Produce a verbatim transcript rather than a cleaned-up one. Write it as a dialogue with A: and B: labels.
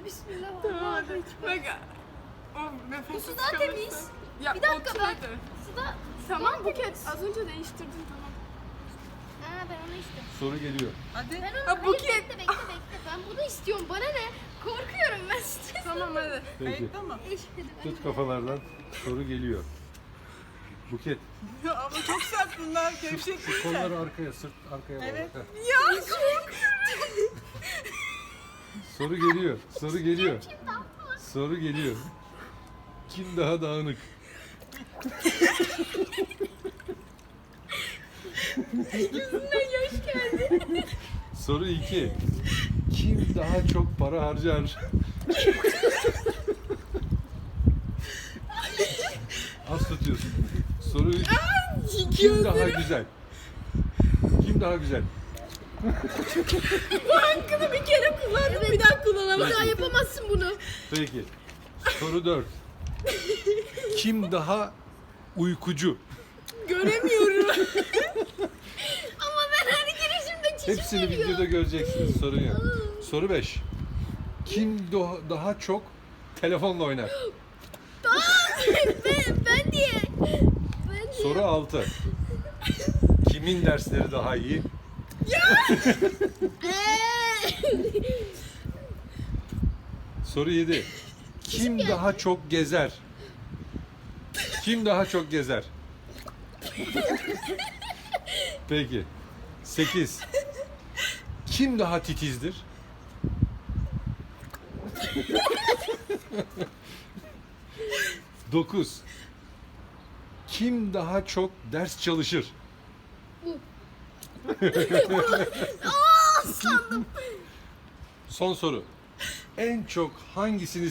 A: Hadi bismillah.
B: Tamam
A: Allah
B: hadi.
A: ekber.
B: Bak. O nefes
A: Bu su daha temiz.
B: Ya,
A: Bir dakika
B: otur
A: ben.
B: hadi.
A: Suda.
B: Tamam
A: Su
B: Buket.
A: temiz.
B: Az önce değiştirdin tamam.
A: Ha ben onu istedim.
C: Soru geliyor.
D: Hadi.
A: Ben onu
B: Ha,
A: hayır,
B: Buket.
A: bekle bekle bekle. Ben bunu istiyorum. Bana ne? Korkuyorum ben stres.
B: Tamam hadi.
C: Peki.
D: Kayıtta mı?
A: Eşhedü en
C: Tut kafalardan. Soru geliyor. Buket.
D: Ya ama çok sert bunlar.
C: Şu,
D: Gevşek
C: şu
D: değil
C: kolları
D: mi?
C: arkaya, sırt arkaya bağla.
D: Evet.
C: Heh.
B: Ya korkuyorum.
C: Soru geliyor. Soru geliyor.
A: Kim daha
C: Soru geliyor. Kim daha dağınık?
A: Yüzünden yaş geldi.
C: Soru iki. Kim daha çok para harcar? Az tutuyorsun. Soru üç. Kim daha güzel? Kim daha güzel?
B: Bu hakkını bir kere kullandım bir daha kullanamam.
A: Bir daha yapamazsın bunu.
C: Peki. Soru dört. Kim daha uykucu?
B: Göremiyorum.
A: Ama ben her girişimde çişim
C: Hepsini
A: geliyor.
C: videoda göreceksiniz. Sorun yok. Soru beş. Kim do- daha çok telefonla oynar?
A: ben, ben diye. Ben diye.
C: Soru altı. Kimin dersleri daha iyi? Soru yedi. Kim daha çok gezer? Kim daha çok gezer? Peki. sekiz. Kim daha titizdir? dokuz. Kim daha çok ders çalışır?
A: Aa sandım.
C: Son soru. En çok hangisini